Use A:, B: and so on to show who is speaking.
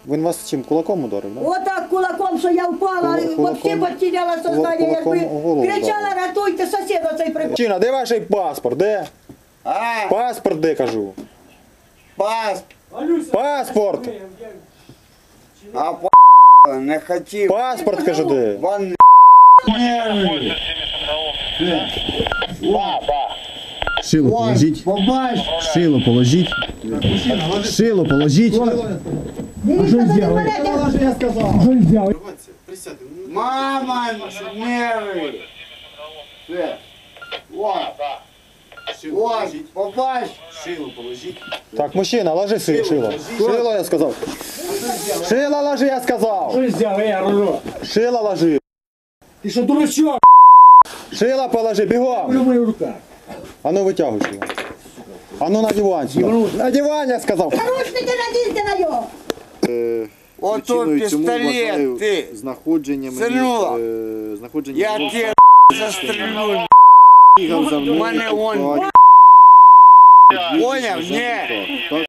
A: Він вас чим, кулаком ударив, да?
B: Отак кулаком, що я впала, вообще потеряла сознання, якби кричала, рятуйте, сусіда цей прибув.
A: Мужчина, де ваш паспорт, де?
C: А,
A: Паспорт де, кажу?
C: пас,
A: Паспорт!
C: а не хотів.
A: Паспорт, кажу, де?
C: Вон
D: Шило положіть.
C: побач.
D: Шило положіть. Шило положіть.
B: Дивіться, мене.
C: Мама, нерви. Все. Вот. Вот, побач.
A: Так, мужчина, ложи шило. Шило, я сказав. Шило ложи, я сказав.
E: Що взяв, я рожу?
A: Шило ложи.
E: Ти що, дурачок?
A: Шило положи, бігом.
E: В моїх руках.
A: А ну витягуй шило. А ну на диван сюди. На диван, я сказав.
B: Наручники надійте на нього.
C: Ото
F: Причиною цьому
C: пістолет,
F: вважаю
C: ти.
F: знаходження мені,
C: Синула.
F: знаходження
C: Я
F: мені
C: тебе застрелю.
F: бігав за мною.
C: мене он.
F: по
C: Поняв? Ні.
F: Так,